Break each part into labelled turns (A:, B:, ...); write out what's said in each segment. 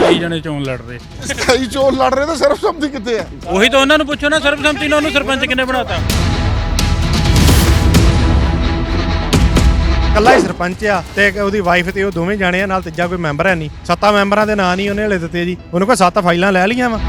A: 27 ਜਣੇ ਚੋਣ ਲੜ ਰਹੇ।
B: 27 ਚੋਣ ਲੜ ਰਹੇ ਤਾਂ ਸਰਬਸੰਮਤੀ ਕਿੱਥੇ ਹੈ?
A: ਉਹੀ ਤਾਂ ਉਹਨਾਂ ਨੂੰ ਪੁੱਛੋ ਨਾ, ਸਰਬਸੰਮਤੀ ਨਾਲ ਉਹਨੂੰ ਸਰਪੰਚ ਕਿੰਨੇ ਬਣਾਤਾ?
C: ਕੱਲਾ ਹੀ ਸਰਪੰਚ ਆ ਤੇ ਉਹਦੀ ਵਾਈਫ ਤੇ ਉਹ ਦੋਵੇਂ ਜਾਣੇ ਆ, ਨਾਲ ਤੀਜਾ ਕੋਈ ਮੈਂਬਰ ਹੈ ਨਹੀਂ। 7 ਮੈਂਬਰਾਂ ਦੇ ਨਾਂ ਨਹੀਂ ਉਹਨੇ ਹਲੇ ਦਿੱਤੇ ਜੀ। ਉਹਨੂੰ ਕੋਈ 7 ਫਾਈਲਾਂ ਲੈ ਲਈਆਂ ਵਾ।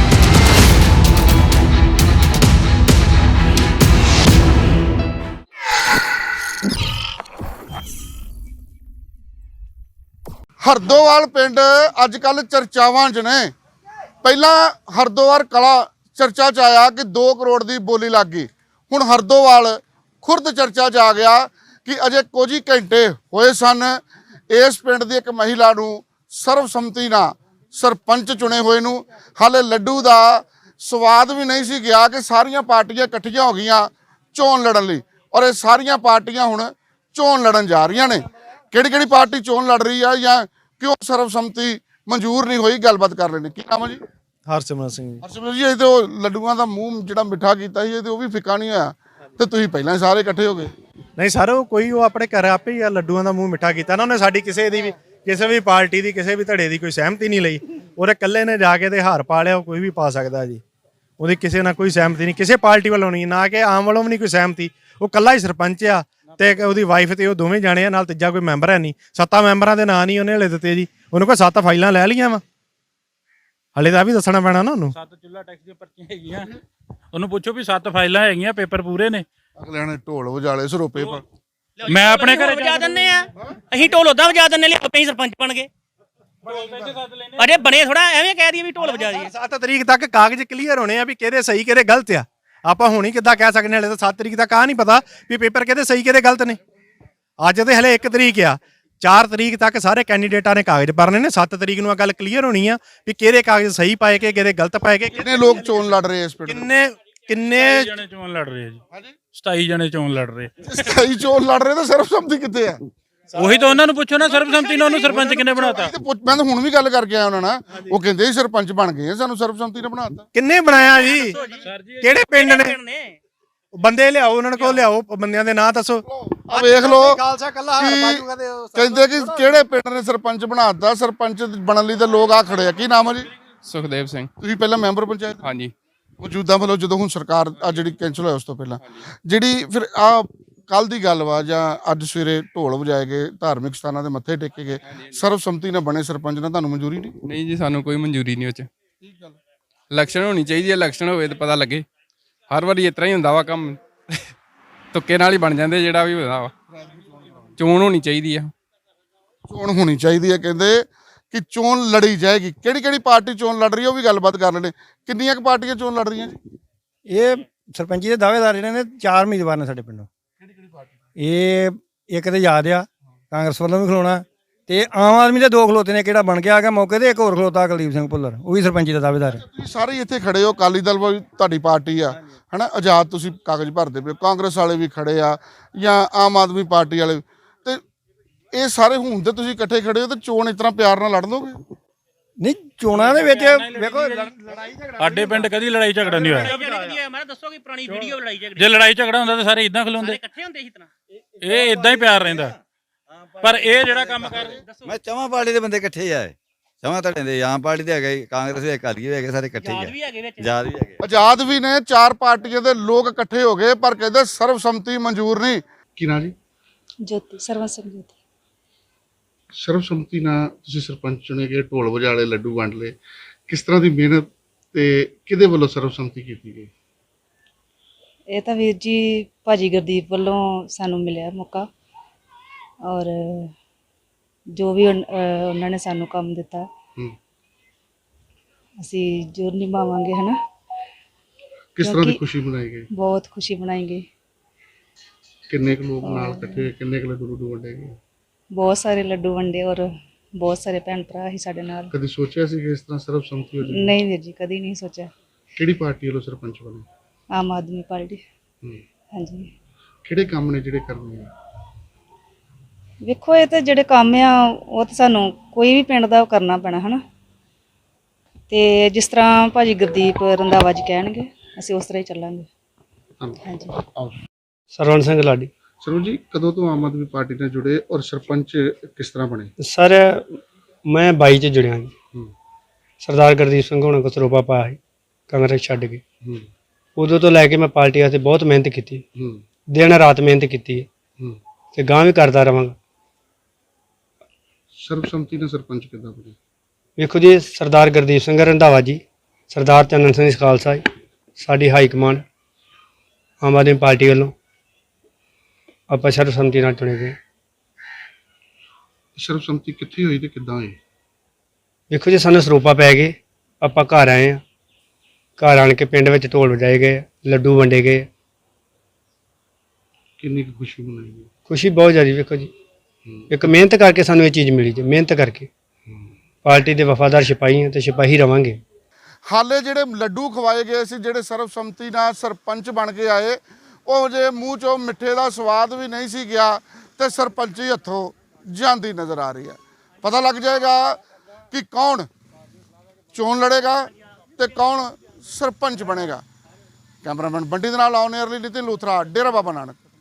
B: ਹਰਦੋਵਾਲ ਪਿੰਡ ਅੱਜ ਕੱਲ ਚਰਚਾਵਾਂ 'ਚ ਨੇ। ਪਹਿਲਾਂ ਹਰਦੋਵਾਲ ਕਲਾ ਚਰਚਾ 'ਚ ਆਇਆ ਕਿ 2 ਕਰੋੜ ਦੀ ਬੋਲੀ ਲੱਗ ਗਈ। ਹੁਣ ਹਰਦੋਵਾਲ ਖੁਰਦ ਚਰਚਾ 'ਚ ਆ ਗਿਆ ਕਿ ਅਜੇ ਕੁਝ ਹੀ ਘੰਟੇ ਹੋਏ ਸਨ ਇਸ ਪਿੰਡ ਦੀ ਇੱਕ ਮਹਿਲਾ ਨੂੰ ਸਰਬਸੰਮਤੀ ਨਾਲ ਸਰਪੰਚ ਚੁਣੇ ਹੋਏ ਨੂੰ। ਹਾਲੇ ਲੱਡੂ ਦਾ ਸਵਾਦ ਵੀ ਨਹੀਂ ਸੀ ਗਿਆ ਕਿ ਸਾਰੀਆਂ ਪਾਰਟੀਆਂ ਇਕੱਠੀਆਂ ਹੋ ਗਈਆਂ ਚੋਣ ਲੜਨ ਲਈ, ਔਰ ਇਹ ਸਾਰੀਆਂ ਪਾਰਟੀਆਂ ਹੁਣ ਚੋਣ ਲੜਨ ਜਾ ਰਹੀਆਂ ਨੇ। ਕਿਹੜੀ ਕਿਹੜੀ ਪਾਰਟੀ ਚੋਣ ਲੜ ਰਹੀ ਆ ਜਾਂ ਕਿਉਂ ਸਰਬਸੰਮਤੀ ਮਨਜ਼ੂਰ ਨਹੀਂ ਹੋਈ, ਗੱਲਬਾਤ ਕਰ ਲੈਣੇ। ਕੀ ਨਾਮ ਹੈ ਜੀ?
C: ਹਰਸਿਮਰਤ ਸਿੰਘ ਜੀ।
B: ਹਰਸਿਮਰਤ ਜੀ, ਇਹ ਤੇ ਉਹ ਲੱਡੂਆਂ ਦਾ ਮੂੰਹ ਜਿਹੜਾ ਮਿੱਠਾ ਕੀਤਾ ਸੀ, ਇਹ ਤੇ ਉਹ ਵੀ ਫਿੱਕਾ ਨਹੀਂ ਹੋਇਆ ਤੇ ਤੁਸੀਂ ਪਹਿਲਾਂ ਹੀ ਸਾਰੇ ਇਕੱਠੇ ਹੋ ਗਏ।
C: ਨਹੀਂ ਸਰ, ਉਹ ਆਪਣੇ ਘਰ ਆਪੇ ਹੀ ਆ ਲੱਡੂਆਂ ਦਾ ਮੂੰਹ ਮਿੱਠਾ ਕੀਤਾ ਨਾ। ਉਹਨੇ ਸਾਡੀ ਕਿਸੇ ਵੀ ਪਾਰਟੀ ਦੀ ਕਿਸੇ ਵੀ ਧੜੇ ਦੀ ਕੋਈ ਸਹਿਮਤੀ ਨਹੀਂ ਲਈ। ਉਹਦੇ ਇਕੱਲੇ ਨੇ ਜਾ ਕੇ ਤੇ ਹਾਰ ਪਾ ਲਿਆ। ਉਹ ਕੋਈ ਵੀ ਪਾ ਸਕਦਾ ਜੀ। ਉਹਦੀ ਕਿਸੇ ਨਾਲ ਕੋਈ ਸਹਿਮਤੀ ਨਹੀਂ, ਕਿਸੇ ਪਾਰਟੀ ਵੱਲੋਂ ਨਹੀਂ, ਨਾ ਕਿ ਆਮ ਵੱਲੋਂ ਵੀ ਨਹੀਂ ਕੋਈ ਸਹਿਮਤੀ। ਉਹ ਇਕੱਲਾ ਹੀ ਸਰਪੰਚ ਆ ਤੇ ਉਹਦੀ ਵਾਈਫ ਤੇ ਉਹ ਦੋਵੇਂ ਜਾਣੇ ਆ, ਨਾਲ ਤੀਜਾ ਕੋਈ ਮੈਂਬਰ ਹੈ ਨਹੀਂ। 7 ਮੈਂਬਰਾਂ ਦੇ ਨਾਂ ਨਹੀਂ ਉਹਨੇ ਹਲੇ ਦਿੱਤੇ ਜੀ। ਉਹਨੂੰ ਕੋਈ 7 ਫਾਈਲਾਂ ਲੈ ਲਈਆਂ ਵਾ। ਹਲੇ ਤਾਂ ਵੀ ਦੱਸਣਾ ਪੈਣਾ ਨਾ ਉਹਨੂੰ।
A: 7 ਚੁੱਲ੍ਹਾ ਟੈਕਸ ਦੀਆਂ ਪਰਚੀਆਂ ਹੈਗੀਆਂ। ਉਹਨੂੰ ਪੁੱਛੋ ਵੀ 7 ਫਾਈਲਾਂ ਹੈਗੀਆਂ, ਪੇਪਰ ਪੂਰੇ ਨੇ।
B: ਅਗਲਿਆਂ ਨੇ ਢੋਲ ਵਜਾਲੇ ਸਰੋਪੇ ਪਰ।
A: ਮੈਂ ਆਪਣੇ ਘਰੇ
D: ਵਜਾ ਦਿੰਨੇ ਆ ਅਸੀਂ, ਢੋਲ ਉਦਾਂ ਵਜਾ ਦਿੰਨੇ ਲਈ ਆਪੇ ਹੀ ਸਰਪੰਚ ਬਣ ਗਏ। ਅਜੇ ਬਣੇ ਥੋੜਾ ਐਵੇਂ ਕਹਿ ਦਈਏ ਵੀ ਢੋਲ ਵਜਾ ਦਈਏ।
C: 7 ਤਰੀਕ ਤੱਕ ਕਾਗਜ਼ ਕਲੀਅਰ ਹੋਣੇ ਆ ਵੀ ਕਿਹਦੇ ਸਹੀ ਕਿਹਦੇ ਗਲਤ ਆ। ਆਪਾਂ ਹੁਣ ਹੀ ਕਿੱਦਾਂ ਕਹਿ ਸਕਦੇ? ਹਲੇ ਤਾਂ 7 ਤਰੀਕ ਤੱਕ ਆ ਨਹੀਂ ਪਤਾ ਵੀ ਪੇਪਰ ਕਿਹਦੇ ਸਹੀ ਕਿਹਦੇ ਗਲਤ ਨੇ। ਅੱਜ ਤੇ ਹਲੇ 1 ਤਰੀਕ ਆ। 4 ਤਰੀਕ ਤੱਕ ਸਾਰੇ ਕੈਂਡੀਡੇਟਾਂ ਨੇ ਕਾਗਜ਼ ਭਰਨੇ ਨੇ। 7 ਤਰੀਕ ਨੂੰ ਆ ਗੱਲ ਕਲੀਅਰ ਹੋਣੀ ਆ ਵੀ ਕਿਹਦੇ ਕਾਗਜ਼ ਸਹੀ ਪਾਏ ਕੇ ਕਿਹਦੇ ਗਲਤ ਪਾਏ ਕੇ।
B: ਕਿੰਨੇ ਲੋਕ ਚੋਣ ਲੜ ਰਹੇ ਇਸ ਪਿੰਡ?
C: ਕਿੰਨੇ
A: ਜਣੇ ਚੋਣ ਲੜ ਰਹੇ ਜੀ? 27 ਜਣੇ ਚੋਣ ਲੜ ਰਹੇ।
B: 27 ਚੋਣ ਲੜ ਰਹੇ ਤਾਂ ਸਰਬਸੰਮਤੀ ਕਿੱਥੇ ਹੈ?
A: ਉਹੀ ਤਾਂ ਉਹਨਾਂ ਨੂੰ ਪੁੱਛੋ ਨਾ, ਸਰਬਸੰਮਤੀ ਨਾਲ ਉਹਨੂੰ ਸਰਪੰਚ ਕਿੰਨੇ ਬਣਾਤਾ?
B: ਮੈਂ ਤਾਂ ਹੁਣ ਵੀ ਗੱਲ ਕਰਕੇ ਆਇਆ ਉਹਨਾਂ ਨਾਲ। ਉਹ ਕਹਿੰਦੇ ਸੀ ਸਰਪੰਚ ਬਣ ਗਏ, ਸਾਨੂੰ ਸਰਬਸੰਮਤੀ ਨੇ ਬਣਾਤਾ।
C: ਕਿੰਨੇ ਬਣਾਇਆ ਜੀ? ਕਿਹੜੇ ਪਿੰਡ ਨੇ? ਬੰਦੇ ਲਿਆਓ, ਉਹਨਾਂ ਕੋਲ ਲਿਆਓ, ਬੰਦਿਆਂ ਦੇ ਨਾਂ ਦੱਸੋ।
B: ਆ ਵੇਖ ਲਓ,
C: ਖਾਲਸਾ ਕੱਲਾ ਹਾਰ ਪਾਜੂਗਾ ਤੇ
B: ਕਹਿੰਦੇ ਕਿ ਕਿਹੜੇ ਪਿੰਡ ਨੇ ਸਰਪੰਚ ਬਣਾਤਾ। ਸਰਪੰਚ ਬਣਨ ਲਈ ਤਾਂ ਲੋਕ ਆ ਖੜੇ ਆ। ਕੀ ਨਾਮ ਹੈ ਜੀ?
E: ਸੁਖਦੇਵ ਸਿੰਘ।
B: ਤੁਸੀਂ ਪਹਿਲਾਂ ਮੈਂਬਰ ਪੰਚਾਇਤ?
E: ਹਾਂਜੀ।
B: ਮੌਜੂਦਾ ਵੱਲੋਂ ਜਦੋਂ ਹੁਣ ਸਰਕਾਰ ਆ ਜਿਹੜੀ ਕੈਂਸਲ ਹੋਇਆ ਉਸ ਤੋਂ ਪਹਿਲਾਂ ਜਿਹੜੀ ਫਿਰ ਆ ਕੱਲ ਦੀ ਗੱਲ ਵਾ ਜਾਂ ਅੱਜ ਸਵੇਰੇ ਢੋਲ ਵਜਾਏ ਗਏ, ਧਾਰਮਿਕ ਸਥਾਨਾਂ ਦੇ ਮੱਥੇ ਟੇਕੇ ਗਏ, ਸਰਬਸੰਮਤੀ ਨਾਲ ਬਣੇ ਸਰਪੰਚ ਨਾਲ ਤੁਹਾਨੂੰ ਮਨਜ਼ੂਰੀ ਨਹੀਂ?
E: ਨਹੀਂ ਜੀ, ਸਾਨੂੰ ਕੋਈ ਮਨਜ਼ੂਰੀ ਨਹੀਂ ਉਹ 'ਚ। ਇਲੈਕਸ਼ਨ ਹੋਣੀ ਚਾਹੀਦੀ ਹੈ, ਇਲੈਕਸ਼ਨ ਹੋਵੇ ਤਾਂ ਪਤਾ ਲੱਗੇ। ਹਰ ਵਾਰੀ ਇਸ ਤਰ੍ਹਾਂ ਹੀ ਹੁੰਦਾ ਵਾ ਕੰਮ, ਤੁੱਕੇ ਨਾਲ ਹੀ ਬਣ ਜਾਂਦੇ ਜਿਹੜਾ ਵੀ ਹੁੰਦਾ ਵਾ। ਚੋਣ ਹੋਣੀ ਚਾਹੀਦੀ ਆ।
B: ਚੋਣ ਹੋਣੀ ਚਾਹੀਦੀ ਹੈ, ਕਹਿੰਦੇ ਕਿ ਚੋਣ ਲੜੀ ਜਾਏਗੀ। ਕਿਹੜੀ ਕਿਹੜੀ ਪਾਰਟੀ ਚੋਣ ਲੜ ਰਹੀ ਹੈ ਉਹ ਵੀ ਗੱਲਬਾਤ ਕਰ ਲੈਣੇ। ਕਿੰਨੀਆਂ ਕੁ ਪਾਰਟੀਆਂ ਚੋਣ ਲੜ ਰਹੀਆਂ ਜੀ?
F: ਇਹ ਸਰਪੰਚੀ ਦੇ ਦਾਅਵੇਦਾਰ ਜਿਹੜੇ ਨੇ 4 ਉਮੀਦਵਾਰ ਨੇ ਸਾਡੇ ਪਿੰਡੋਂ। ਇਹ ਇੱਕ ਤੇ ਯਾਦ ਆ ਕਾਂਗਰਸ ਵੱਲੋਂ ਵੀ ਖਲੋਣਾ, ਤੇ ਆਮ ਆਦਮੀ ਦੇ 2 ਖਲੋਤੇ ਨੇ। ਕਿਹੜਾ ਬਣ ਕੇ ਆ ਗਿਆ ਮੌਕੇ ਤੇ, ਇੱਕ ਹੋਰ ਖਲੋਤਾ ਕੁਲਦੀਪ ਸਿੰਘ ਭੁੱਲਰ, ਉਹ ਵੀ ਸਰਪੰਚੀ ਦਾ ਦਾਅਵੇਦਾਰ ਹੈ।
B: ਤੁਸੀਂ ਸਾਰੇ ਇੱਥੇ ਖੜੇ ਹੋ, ਅਕਾਲੀ ਦਲ ਵੀ ਤੁਹਾਡੀ ਪਾਰਟੀ ਆ ਹਨਾ, ਆਜ਼ਾਦ ਤੁਸੀਂ ਕਾਗਜ਼ ਭਰਦੇ ਪਏ, ਕਾਂਗਰਸ ਵਾਲੇ ਵੀ ਖੜੇ ਆ ਜਾਂ ਆਮ ਆਦਮੀ ਪਾਰਟੀ ਵਾਲੇ, ਤੇ ਇਹ ਸਾਰੇ ਹੁਣ ਤੇ ਤੁਸੀਂ ਇਕੱਠੇ ਖੜੇ ਹੋ ਤੇ ਚੋਣ ਇਸ ਤਰ੍ਹਾਂ ਪਿਆਰ ਨਾਲ ਲੜ ਲੋਗੇ?
F: ਨਹੀਂ, ਚੋਣਾਂ ਦੇ ਵਿੱਚ ਵੇਖੋ ਲੜਾਈ ਝਗੜਾ
A: ਸਾਡੇ ਪਿੰਡ ਕਦੀ ਲੜਾਈ ਝਗੜਾ ਨਹੀਂ ਹੋਇਆ।
D: ਮੈਂ ਦੱਸੋ ਕਿ ਪੁਰਾਣੀ ਵੀਡੀਓ ਲੜਾਈ ਝਗੜੇ
A: ਜੇ ਲੜਾਈ ਝਗੜਾ ਹੁੰਦਾ ਤਾਂ ਸਾਰੇ ਇਦਾਂ ਖਲੋਂਦੇ।
D: ਇਕੱਠੇ ਹੁੰਦੇ ਸੀ ਤਰ੍ਹਾਂ।
A: ਇਹ ਇਦਾਂ ਹੀ ਪਿਆਰ ਰਹਿੰਦਾ। ਪਰ ਇਹ ਜਿਹੜਾ ਕੰਮ ਕਰ
G: ਮੈਂ ਚਵਾਂ ਪਾਰਟੀ ਦੇ ਬੰਦੇ ਇਕੱਠੇ ਆਏ। ਚਵਾਂ ਧੜੇ ਦੇ, ਆਮ ਪਾਰਟੀ ਦੇ ਹੈਗੇ, ਕਾਂਗਰਸ ਦੇ, ਅਕਾਲੀ ਵੀ ਹੈਗੇ, ਸਾਰੇ ਇਕੱਠੇ ਹੀ ਆ। ਆਜ਼ਾਦ ਵੀ ਹੈਗੇ।
B: ਆਜ਼ਾਦ ਵੀ ਨੇ। 4 ਪਾਰਟੀਆਂ ਦੇ ਲੋਕ ਇਕੱਠੇ ਹੋ ਗਏ ਪਰ ਕਹਿੰਦੇ ਸਰਬਸੰਮਤੀ ਮਨਜ਼ੂਰ ਨਹੀਂ। ਕੀ ਨਾ ਜੀ?
H: ਜੋਤੀ, ਸਰਵਸੰਮ ਜੋਤੀ।
B: ਸਰਬਸੰਮਤੀ ਨਾਲ ਤੁਸੀਂ ਸਰਪੰਚ ਚੁਣੇ ਗਏ, ਢੋਲ ਵਜਾਲੇ, ਲੱਡੂ ਵੰਡ ਲਏ। ਕਿਸ ਤਰ੍ਹਾਂ ਦੀ ਮਿਹਨਤ ਤੇ ਕਿਹਦੇ ਵੱਲੋਂ ਸਰਬਸੰਮਤੀ ਕੀਤੀ ਗਈ?
H: ਇਹ ਤਾਂ ਵੀਰ ਜੀ ਭਾਜੀ ਗੁਰਦੀਪ ਵੱਲੋਂ ਸਾਨੂੰ ਮਿਲਿਆ ਮੌਕਾ, ਔਰ ਜੋ ਵੀ ਉਹਨਾਂ ਨੇ ਸਾਨੂੰ ਕੰਮ ਦਿੱਤਾ ਅਸੀਂ ਜ਼ਰੂਰ ਨਿਭਾਵਾਂਗੇ, ਹਨਾ।
B: ਕਿਸ ਤਰ੍ਹਾਂ ਦੀ
H: ਕਿਉਂਕਿ
B: ਖੁਸ਼ੀ ਮਨਾਈ ਗਈ?
H: ਬਹੁਤ ਖੁਸ਼ੀ ਮਨਾਈ ਗਈ।
B: ਕਿੰਨੇ ਕੁ ਲੋਕ ਨਾਲ ਇਕੱਠੇ, ਕਿੰਨੇ ਕੁ ਲੱਡੂ ਵੰਡੇ ਗਏ?
H: ਬਹੁਤ ਸਾਰੇ ਲੱਡੂ ਵੰਡੇ, ਔਰ ਬਹੁਤ ਸਾਰੇ ਭੈਣ ਭਰਾ ਸੀ ਸਾਡੇ ਨਾਲ।
B: ਕਦੀ ਸੋਚਿਆ ਸੀ ਕਿ ਇਸ ਤਰ੍ਹਾਂ ਸਰਬਸੰਮਤੀ ਹੋ ਜਾਵੇ?
H: ਨਹੀਂ ਵੀਰ ਜੀ, ਕਦੀ ਨਹੀਂ ਸੋਚਿਆ।
B: ਕਿਹੜੀ ਪਾਰਟੀ ਵੱਲੋਂ ਸਰਪੰਚ ਬਣੇ?
H: ਆਮ ਆਦਮੀ ਪਾਰਟੀ। ਹਾਂਜੀ।
B: ਕਿਹੜੇ ਕੰਮ ਨੇ ਜਿਹੜੇ ਕਰਨੇ ਆ?
H: ਵੇਖੋ, ਇਹ ਤਾਂ ਜਿਹੜੇ ਕੰਮ ਆ ਉਹ ਤਾਂ ਸਾਨੂੰ ਕੋਈ ਵੀ ਪਿੰਡ ਦਾ ਕਰਨਾ ਪੈਣਾ, ਹਨਾ। ਤੇ ਜਿਸ ਤਰ੍ਹਾਂ ਭਾਜੀ ਗੁਰਦੀਪ ਰੰਧਾਵਾ ਜੀ ਕਹਿਣਗੇ ਅਸੀਂ ਉਸ ਤਰ੍ਹਾਂ ਹੀ ਚੱਲਾਂਗੇ। ਹਾਂਜੀ।
F: ਸਰਵਣ ਸਿੰਘ ਲਾਡੀ।
B: ਸਰਵਣ ਜੀ, ਕਦੋਂ ਤੋਂ ਆਮ ਆਦਮੀ ਪਾਰਟੀ ਨਾਲ ਜੁੜੇ ਔਰ ਸਰਪੰਚ ਕਿਸ ਤਰ੍ਹਾਂ ਬਣੇ?
F: ਸਰ ਮੈਂ 22 ਚ ਜੁੜਿਆ ਜੀ। ਸਰਦਾਰ ਗੁਰਦੀਪ ਸਿੰਘ ਹੋਣਾ ਕੋ ਸਰੋਪਾ ਪਾਇਆ ਸੀ ਕਾਂਗਰਸ ਛੱਡ ਕੇ। ਉਦੋਂ ਤੋਂ ਲੈ ਕੇ ਮੈਂ ਪਾਰਟੀ ਵਾਸਤੇ ਬਹੁਤ ਮਿਹਨਤ ਕੀਤੀ, ਦਿਨ ਰਾਤ ਮਿਹਨਤ ਕੀਤੀ ਹੈ ਤੇ ਗਾਂ ਵੀ ਕਰਦਾ ਰਵਾਂਗਾ।
B: ਸਰਬਸੰਮਤੀ ਨਾਲ ਸਰਪੰਚ ਕਿੱਦਾਂ ਬਣੇ?
F: ਵੇਖੋ ਜੀ, ਸਰਦਾਰ ਗੁਰਦੀਪ ਸਿੰਘ ਰੰਧਾਵਾ ਜੀ, ਸਰਦਾਰ ਚੰਨਨ ਸਿੰਘ ਖਾਲਸਾ ਜੀ, ਸਾਡੀ high command Aam Aadmi Party ਵੱਲੋਂ ਆਪਾਂ ਸਰਬਸੰਮਤੀ ਨਾਲ ਚੁਣੇ ਗਏ।
B: ਸਰਬਸੰਮਤੀ ਕਿੱਥੇ ਹੋਈ ਤੇ ਕਿੱਦਾਂ ਹੋਈ?
F: ਵੇਖੋ ਜੀ, ਸਾਨੂੰ ਸਰੋਪਾ ਪੈ ਗਏ, ਆਪਾਂ ਘਰ ਆਏ ਆ, ਘਰ ਆਣ ਕੇ ਪਿੰਡ ਵਿੱਚ ਢੋਲ ਵਜਾਏ ਗਏ, ਲੱਡੂ ਵੰਡੇ ਗਏ।
B: ਕਿੰਨੀ ਕੁ ਖੁਸ਼ੀ ਮਨਾਈ ਗਈ?
F: ਖੁਸ਼ੀ ਬਹੁਤ ਜ਼ਿਆਦਾ। ਵੇਖੋ ਜੀ, ਇੱਕ ਮਿਹਨਤ ਕਰਕੇ ਸਾਨੂੰ ਇਹ ਚੀਜ਼ ਮਿਲੀ ਜੀ, ਮਿਹਨਤ ਕਰਕੇ। ਪਾਰਟੀ ਦੇ ਵਫਾਦਾਰ ਸਿਪਾਹੀ ਹਾਂ ਤੇ ਸਿਪਾਹੀ ਰਵਾਂਗੇ।
B: ਹਾਲੇ ਜਿਹੜੇ ਲੱਡੂ ਖਵਾਏ ਗਏ ਸੀ, ਜਿਹੜੇ ਸਰਬਸੰਮਤੀ ਨਾਲ ਸਰਪੰਚ ਬਣ ਕੇ ਆਏ, ਉਹ ਜੇ ਮੂੰਹ 'ਚੋਂ ਮਿੱਠੇ ਦਾ ਸਵਾਦ ਵੀ ਨਹੀਂ ਸੀ ਗਿਆ ਤੇ ਸਰਪੰਚੀ ਹੱਥੋਂ ਜਾਂਦੀ ਨਜ਼ਰ ਆ ਰਹੀ ਹੈ। ਪਤਾ ਲੱਗ ਜਾਏਗਾ ਕਿ ਕੌਣ ਚੋਣ ਲੜੇਗਾ ਤੇ ਕੌਣ ਸਰਪੰਚ ਬਣੇਗਾ। ਕੈਮਰਾਮੈਨ ਬੰਟੀ ਦੇ ਨਾਲ ਆਨ 에ਅਰ ਲਈ ਨਿਤਿਨ ਲੂਥਰਾ, ਡੇਰਾ ਬਾਬਾ ਨਾਨਕ।